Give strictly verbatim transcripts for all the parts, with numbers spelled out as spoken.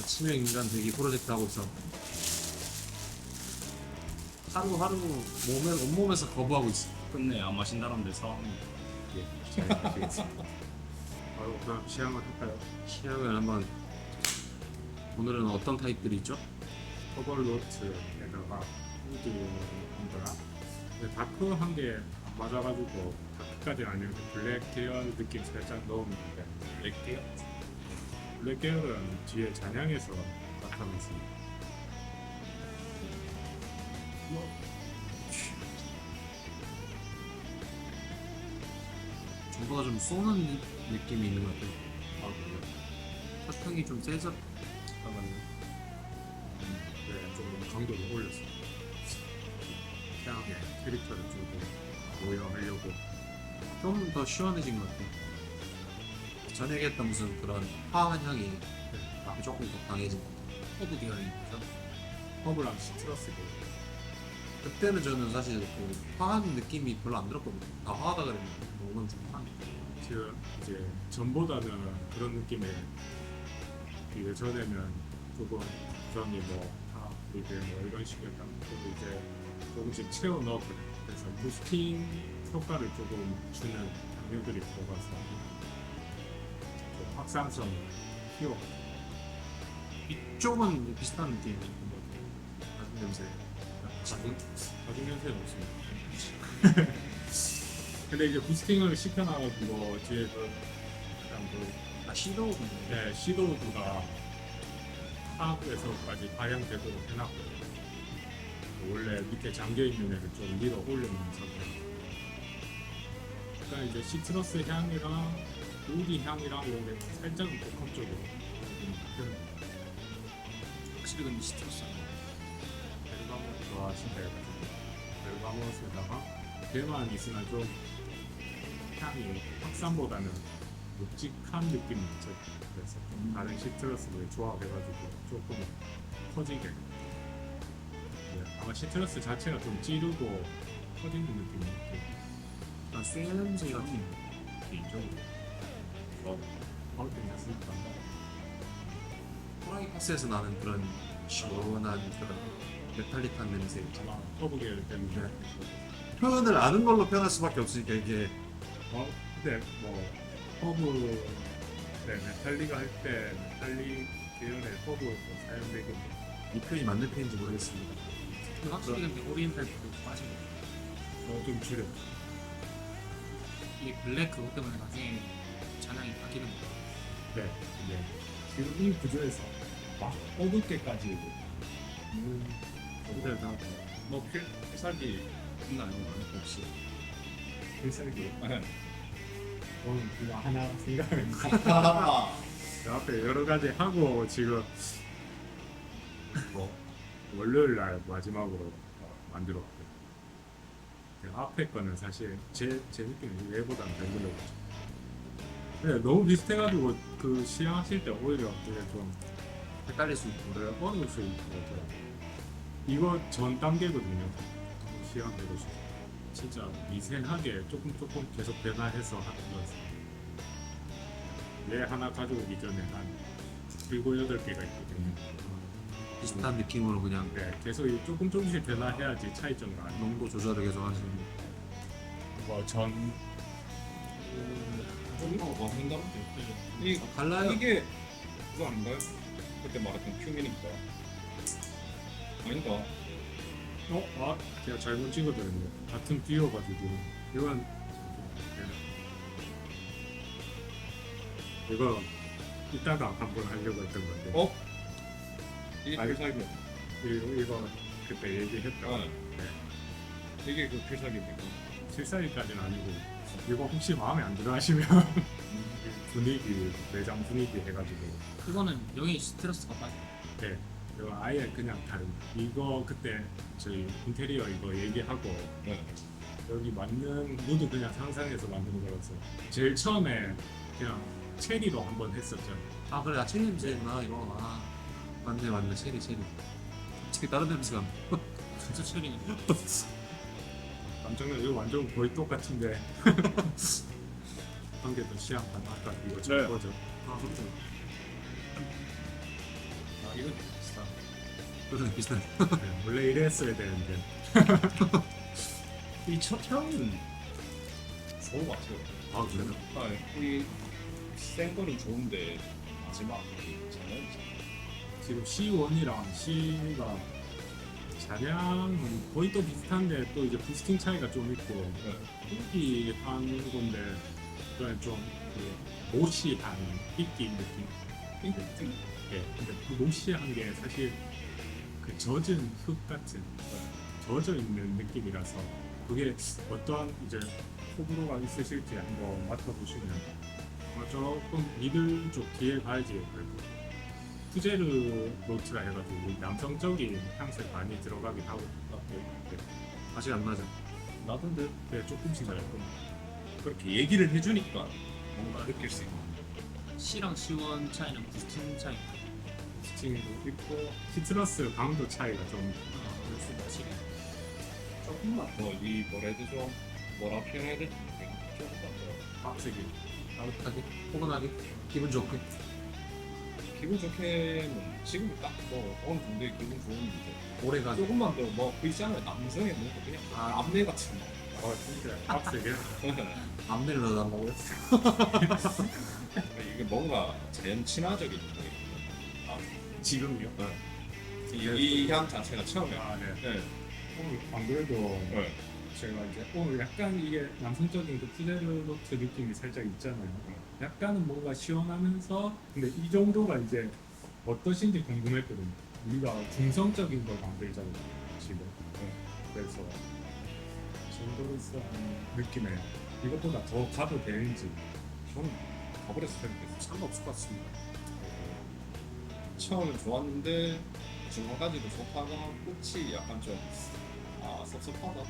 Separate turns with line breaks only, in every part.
치명 인간 되기 프로젝트 하고 있어. 하루하루 몸에, 온몸에서 거부하고 있어.
끝내 안 마신 사람들 사와합니다.
예, 잘 마시겠습니다. 바로 그럼 시향을 할까요?
시향을 한번. 오늘은 어떤 타입들이 있죠?
허벌노트에다가 후드인가 근데 다크한 게 안 맞아가지고 다크까지 아니고 블랙 계열 느낌 살짝 넣었는데
블랙 계열?
블랙 계열은 뒤에 잔향에서 나타났습니다.
전보다 좀 쏘는 느낌이 있는 것 같아요.
아 그래요?
사탕이 좀 세져. 잠깐만요.
네, 조금 강도를 올렸어요. 향의 캐릭터를 조금 모여하려고.
좀 더 시원해진 것 같아요. 전에 얘기했던 무슨 그런 화한 향이
네,
아, 조금 더 강해진 허브 계열인 거죠.
허브랑 시트러스 계열.
그때는 저는 사실 그 화한 느낌이 별로 안 들었거든요. 다 화하다 그랬는데 오늘 좀 화한.
지금 이제 전보다는 그런 느낌에 비교 전에는 조금 구성이 뭐 아, 이게 뭐 이런 식이었다. 그리고 이제 조금씩 채워 넣었거든요. 그래서 부스팅 효과를 조금 주는 장르들이 들어가서 좀 확산성 키워.
이쪽은 비슷한 느낌인 것 같아요. 가죽 냄새. 가죽?
가죽 냄새는 없습니다. 근데 이제 부스팅을 시켜놔가지고 뒤에 그 약간 그
아 시도.
네, 시도우드가 하부에서까지 발향되도록 해놨거든요. 원래 밑에 잠겨있는 애를 좀 밀어 올려놓은 상태. 그러니까 이제 시트러스 향이랑 우디 향이랑 이런 게 살짝은 복합적으로 좀
확실히 근데 시트러스
벨가몬 좋아하신다 해가지고 벨가몬에다가 배만 있으나 좀 향이 확산보다는 묵직한 느낌이 있죠. 그래서 좀 다른 시트러스를 조합해가지고 조금 커지게. 네, 아마 시트러스 자체가 좀 찌르고 커지는 느낌이 있고.
아 쇠 냄새가
개인적으로 어, 어릴 때 했으니까
호랑이 파스에서 나는 그런 시원한 그런 메탈릭한 냄새.
아마 허브 계열 때문에
표현을 아는 걸로 표현할 수밖에 없으니까 이게
어 근데 뭐 허브 네 메탈리가 할 때 메탈리 계열의 허브도 사용되긴
이 표현이 맞는 표현인지 모르겠습니다.
근데 확실히 근데 오리엔탈 그거 빠진 거
어좀 줄여.
이게 블랙 그것 때문에 나중에 잔향이 바뀌는 거
네, 네. 지금 이 구조에서 막 어둡게까지 음,
근데 나
뭐 필, 필살기 있나요? 혹시?
필살기
네.
저는 그거 하나 생각을
아,
그 앞에 여러 가지 하고 지금 뭐 월요일 날 마지막으로 만들었고 그 앞에 거는 사실 제, 제 느낌은 얘보다는 별로였죠. 근데 너무 비슷해가지고 그 시향하실 때 오히려 되게 좀
헷갈릴 수 있고.
그래 어려울 수 있고 이거 전 단계거든요. 시향되고 싶어. 진짜 미세하게 조금 조금 계속 변화해서 하는 거였어요. 얘 하나 가져오기 전에 한 일곱 여덟 개가 있거든요.
비슷한 느낌으로 그냥
네, 계속 이 조금 조금씩 변화해야지 차이점을 안.
농도 조절을 계속 하시는.
뭐전
좀 어, 생각보다 이
달라요.
이게 그거 아닌가요? 그때 말했던 큐민인가? 아닌가?
어? 아, 제가 잘못 찍어드렸네요. 같은 띄워가지고 이건 이거 이따가 한번 하려고 했던 건데
어? 이게
아니,
필살기
이거, 이거 그때 얘기했다.
아, 이게 그 필살기입니까?
실사일까지는 아니고 이거 혹시 마음에 안 들어 하시면 분위기 매장 분위기 해가지고
이거는 여기 스트레스가 빠져
네 이거 아예 그냥 다른 이거 그때 저희 인테리어 이거 얘기하고
네.
여기 맞는 무드 그냥 상상해서 만드는 거라서 제일 처음에 그냥 체리로 한번 했었죠.
아 그래 나 체리 냄새구나 이거. 아 맞네 맞네 체리 체리. 솔직히 다른 냄새가 안 나.
진짜 체리네
깜짝 놀라 이거 완전 거의 똑같은데 한 개 더 시향 가능할까 이거 저
네.
거죠.
아 그렇죠.
아
이건 비슷한.
그런 비슷한.
네, 원래 이랬어야 되는데
이 첫 향은 좋은 것 같아요.
아 그래요?
아, 우리 센 거는 좋은데 마지막 저는
지금 씨원이랑 C가 잔향은 거의 또 비슷한데 또 이제 부스팅 차이가 좀 있고 삐끼 하는 건데 그냥 좀그 모시한 삐끼 느낌.
핑크색.
예, 근데 그 모시한 게 사실 그 젖은 흙 같은 젖어 있는 느낌이라서 그게 어떠한 이제 호불호가 있으실지 한번 맡아보시면 아마 조금 미들 쪽 뒤에 가야지 그래도 푸제르 노트라 해가지고 남성적인 향색 많이 들어가긴 하고 네,
맛이 안 나죠.
나던데
네, 조금씩 나요.
그렇게 얘기를 해주니까 뭔가 느낄 수 있고.
C랑 C원 차이는 부스팅 차이.
스팅도 있고 시트러스 강도 차이가 좀
아, 그럴 수 있지.
조금만 더이 뭐라 해야 되죠? 뭐라 표현해야 되지? 조금만 더
빡세게
따뜻하게, 포근하게, 기분 좋게.
기분 좋게는 지금 딱 뭐 어느 정도의 기분 좋은 이제
오래 가죠.
조금만 더뭐 그 있잖아요. 남성의 뭔가 그냥
아.
암내 같은 거.
아 진짜 빡세게
앞내를 넣어달라고요?
이게 뭔가 자연 친화적인 게 아,
지금요?
이향 자체가 처음에
아 네.
네.
오늘 안 그래도
네.
제가 이제 오늘 약간 이게 남성적인 그 푸제르 노트 느낌이 살짝 있잖아요. 약간은 뭔가 시원하면서 근데 이 정도가 이제 어떠신지 궁금했거든요. 우리가 중성적인 걸 만들잖아요 지금. 네. 그래서 정도로서 느낌에 이것보다 더 가도 되는지
저는 가버렸을 텐데
상관없을 것 같습니다.
처음엔 좋았는데 중간까지도 좋다가 끝이 약간 좀 아 섭섭하다.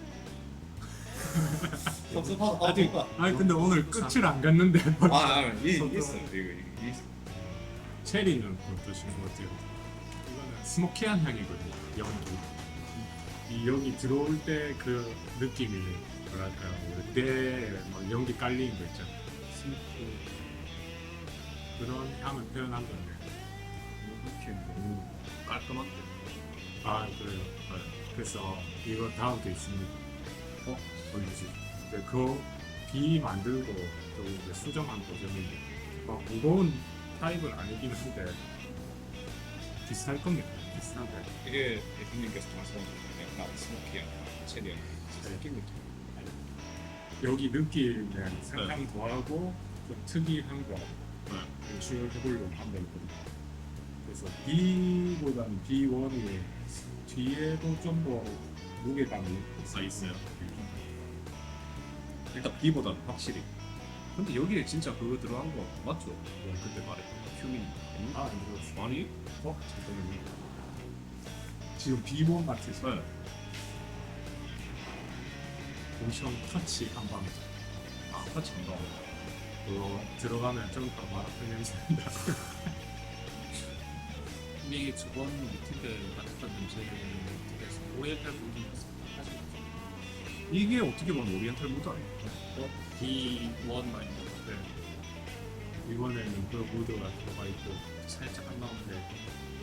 섭섭하다.
아직
뭔가
아니 근데 오늘 끝을 안 갔는데
아, 아 이,
섭섭-
있어요. 이거 이거 있어.
체리는 어떠신 것 같아요? 이거는 스모키한 향이거든요. 연기. 이 여기 들어올 때 그 느낌이 뭐랄까요? 때막 연기 깔리는 거 있잖아요. 스모키 그런 향을 표현한 건데.
이렇게 너무 깔끔한데.
아 그래요. 네. 그래서 이거 다음 게 있습니다. 어? 보여주시. 네, 그비 만들고 또 이제 수정한 버전인데 막 무거운 타입은 아니긴 한데 비슷할 겁니다. 비슷한데.
이게 대표님께서 말씀하신 약간 스모키한 체리한 느낌 느낌.
여기 느낌은 상당히 더하고 좀 특이한 거 연출을 해보려고 하면 있거든요. 그래서 B보다는 비 원이 뒤에도 좀 더 무게감이
아 있어요. 일단 B보다는 확실히. 근데 여기에 진짜 그거 들어간 거 맞죠? 뭐 그때 말했던 휴민.
아 이거
아니?
어? 잠깐만요. 지금 비본 같으죠?
네.
모션 터치 한방
아 같이 안 나와.
그거 들어가면 좀 더 마라톤 냄새 난다.
근데 이게 저번 미팅 때 맡았던 냄새를 되게서 오리엔탈 부분이었어요. 사실
이게 어떻게 보면 오리엔탈 무드 아니에요?
B 원 마이너
네. 이번에는 그 무드가 들어가 있고
살짝 한 마음인데
네.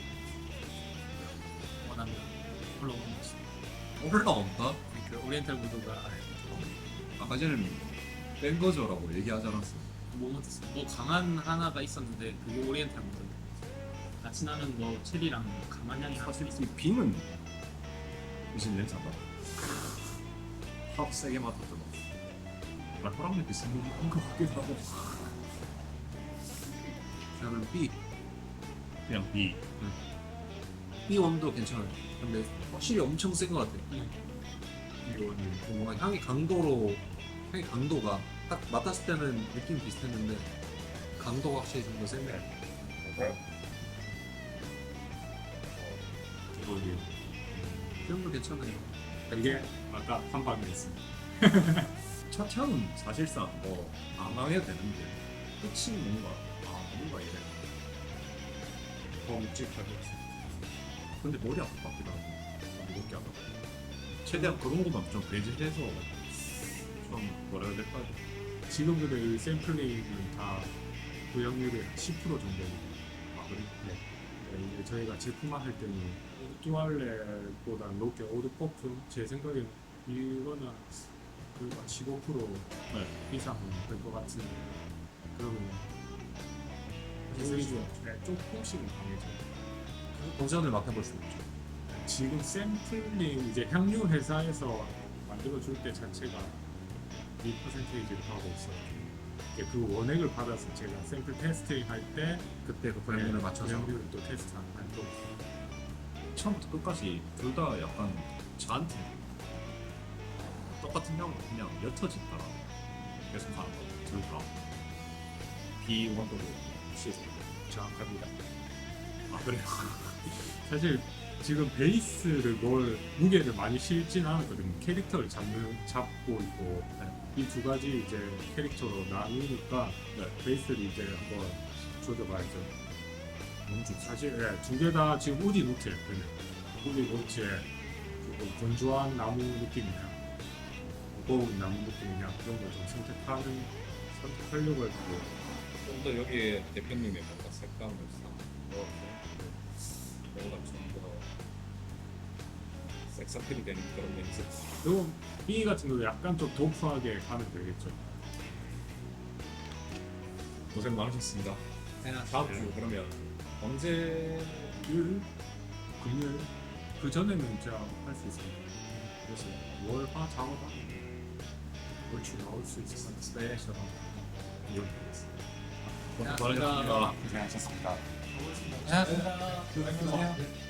원하면 올라오는 것 같습니다.
올라온다?
그 오리엔탈 무드가
아까 전에 뺀 거죠라고 얘기하지 않았어?
뭐 못했어요. 뭐 강한 하나가 있었는데 그게 오리엔탈 무드. 같이 나는 뭐 체리랑 강한 향이
사실
확실히
이 빙은 무슨 냄새 안 나? 확 세게 맡았잖아. 알코올랑 비슷한 거 같기도 하고.
저는 B.
그냥 B.
B 원도 괜찮아요. 근데 확실히 엄청 센 것 같아요.
이거는
뭔가 향이 강도로 향이 강도가 딱 맡았을 때는 느낌 비슷했는데 강도가 확실히 좀 더 센데.
이거는
이 정도 괜찮아요.
이게 아까 한 방에 있습니다.
첫 향은 사실상 뭐 안 망해도 되는데 끝이 뭔가 아 뭔가 이래.
더 묵직하게
근데 머리 아플 것 같기도 하고 무겁게 하다. 최대한 그런 것만 좀 배제해서 좀 뭐라 해야 될까?
지금 근데 이 샘플링은 다 구형률이 십 퍼센트 정도.
아 그래?
네. 네, 이게 저희가 제품화 할 때는 듀얼렛보다 높게 오드 퍼프 제 생각에는 이거는 그 십오 퍼센트
네.
이상은 될 것 같은 그러면
사실
오히려 네, 조금씩은 강해져.
도전을 맡아볼 수 있죠.
지금 샘플링 이제 향유 회사에서 만들어 줄 때 자체가 이 퍼센테이지를 하고 있어요. 이제 그 원액을 받아서 제가 샘플 테스팅 할 때
그때 그 브랜드를 맞춰서
브랜드를 또 테스트하는 활동.
처음부터 끝까지 둘 다 약간 저한테 똑같은 향으로 그냥 옅어진 따라 계속 가는 거 같아요. 둘 다. 비원도로 시에서.
정확합니다.
아 그래요?
사실 지금 베이스를 뭘 무게를 많이 실진 않았거든요. 캐릭터를 잡는 잡고 있고 이 두 가지 이제 캐릭터로 나누니까
네.
베이스를 이제 한번 조져봐야죠.
너무 좋죠.
사실 예, 두 개 다 지금 우디 노트예요. 그냥 우디 노트에 조금 건조한 나무 느낌이나 무거운 나무 느낌이나 그런 걸 좀 선택하는 선택하려고 해가지고
좀 더 여기에 대표님의 뭔가 색감을 넣어서 뭔가 좀 더 섹스필이 되는 그런 냄새.
그리고 이 같은 경우 약간 좀 도프하게 가면 되겠죠.
고생 많으셨습니다.
네,
다음 주 그러면 언제
일, 금요일 그 전에는 제가 할 수 있습니다. 그래서 월화 작업하 얼추 나올 수 있을 것 같습니다.
네, 저도
이렇게 되겠습니다.
고맙습니다.
고생하셨습니다.
고맙습니다.
안녕하세요.